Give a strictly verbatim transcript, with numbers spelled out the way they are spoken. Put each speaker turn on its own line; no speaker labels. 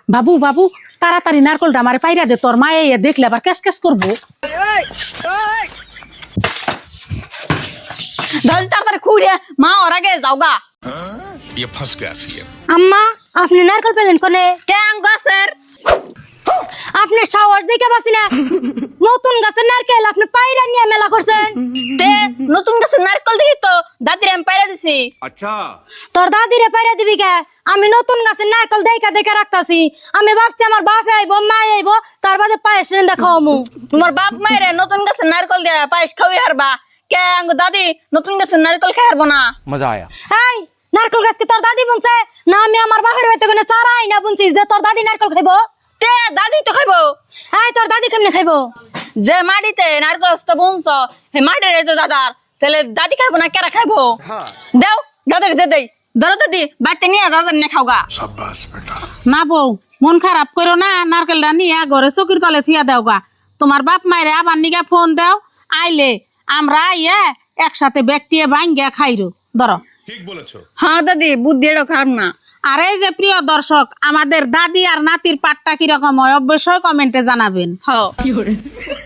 বাবু বাবু তাড়াতাড়ি নারকলটা আমারে পাইরা দে, তোর মায়ে এ দেখলে আবার ক্যাস ক্যাস করবো।
জলদি তাড়াতাড়ি খুঁড়ে মা ওর আগে যাওগা।
ये फंस गया सी
আম্মা আপনি নারকেল পেলেন কোনে?
কেন গাছের
আপনি সাহস দেখে পাচ্ছি না, নতুন গাছের নারকেল আপনি পায়রা নিয়ে মেলা করছেন।
তে নতুন গাছের নারকেল দেখি তো দাদির আমি পাইরা দিছি।
अच्छा
তোর দাদিরে পায়রা দিবি কে? আমি নতুন গাছের নারকেল দেখা দেখে রাখতাছি। আমি ভাবছি আমার বাপে আইবো মা আইবো তার বাদে পায়েস রেন্দা খাওয়ামু।
তোমার বাপ মায়ের নতুন গাছের নারকেল দিয়া পায়েস খাওয়াই হারবা, কে আঙ্গ দাদি নতুন গাছের নারকেল খাই হারবো না।
मजा आया
এই নারকেল গাছ কি তোর দাদি বুনছে না আমি আমার বাপের বাড়িতে কোনে সারাই না বুনছি যে তোর দাদি নারকেল খাইবো?
তে দাদি তো খাইবো।
এই তোর দাদি কেমনে খাইবো?
যে মাটিতে নারকেল তো বুনছ হে মাটির তো দাদার, তাহলে দাদি খাইবো না কেরা খাইবো? দেও দাদার দে দেই, ধরো দাদি বাড়িতে নিয়ে দাদার নিয়ে খাওগা।
शाबाश बेटा
না বউ মন খারাপ করো না, নারকেলটা নিয়ে ঘরে চকির তলে থিয়া দেও গা। তোমার বাপ মায়ের আবার নিগা ফোন দাও, আইলে আমরা ইয়ে একসাথে ব্যাগটিয়ে ভাঙ্গিয়া খাইরো। ধরো।
ठीक बोलेছো
হ্যাঁ দাদি বুদ্ধি এটাও খারাপ না।
আর এই যে প্রিয় দর্শক, আমাদের দাদি আর নাতির পাটটা কিরকম হয় অবশ্যই কমেন্টে জানাবেন।
হ্যাঁ